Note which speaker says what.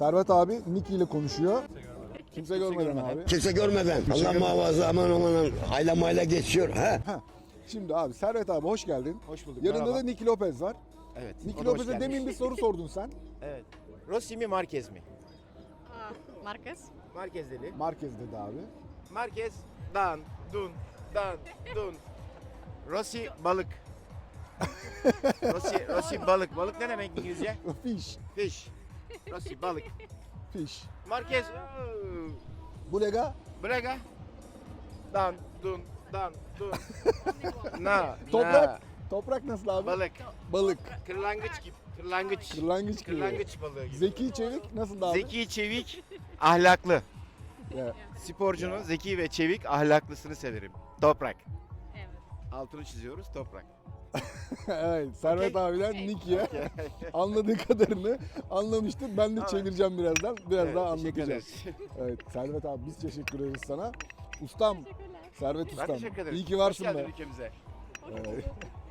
Speaker 1: Servet abi Nicky ile konuşuyor. Kimse görmeden abi.
Speaker 2: Kimse görmeden. Allah muhafaza aman aman ayla mayla geçiyor. Ha?
Speaker 1: Şimdi abi Servet abi hoş geldin.
Speaker 3: Hoş bulduk.
Speaker 1: Yanında
Speaker 3: merhaba.
Speaker 1: da Nicky Lopez var.
Speaker 3: Evet.
Speaker 1: Nicky
Speaker 3: o da hoş
Speaker 1: Lopez'e
Speaker 3: gelmiş.
Speaker 1: demin bir soru sordun sen.
Speaker 3: Evet. Rossi mi Marquez mi?
Speaker 4: Marquez.
Speaker 3: Marquez dedi.
Speaker 1: Marquez dedi abi.
Speaker 3: Marquez dan dun dan dun. Rossi balık. Rossi balık. Balık ne demek İngilizce?
Speaker 1: Fish.
Speaker 3: Fish. Rossi balık.
Speaker 1: Fish.
Speaker 3: Marquez
Speaker 1: Bulega.
Speaker 3: Braga. Dan dun dan dun. Na.
Speaker 1: Toprak. Toprak nasıl abi?
Speaker 3: Balık.
Speaker 1: Balık.
Speaker 3: Kırlangıç gibi. Kırlangıç.
Speaker 1: Kırlangıç gibi.
Speaker 3: Kırlangıç balığı gibi.
Speaker 1: Zeki Çevik nasıl abi?
Speaker 3: Zeki, çevik, ahlaklı.
Speaker 1: Ya,
Speaker 3: Sporcunun zeki ve çevik, ahlaklısını severim. Toprak.
Speaker 4: Evet.
Speaker 3: Altını çiziyoruz, toprak.
Speaker 1: evet, Servet abiden Nicky'ye anladığı kadarını anlamıştır. Ben de
Speaker 3: Evet.
Speaker 1: çevireceğim birazdan. Biraz
Speaker 3: Evet,
Speaker 1: daha
Speaker 3: teşekkür
Speaker 1: anlatacağız.
Speaker 3: ederiz.
Speaker 1: Evet, Servet abi biz teşekkür ederiz sana. Ustam,
Speaker 4: Teşekkürler.
Speaker 1: Servet
Speaker 3: Ben
Speaker 1: Ustam.
Speaker 3: teşekkür ederim.
Speaker 1: İyi ki varsın
Speaker 3: Hoş geldin
Speaker 1: be.
Speaker 3: ülkemize.
Speaker 1: Evet.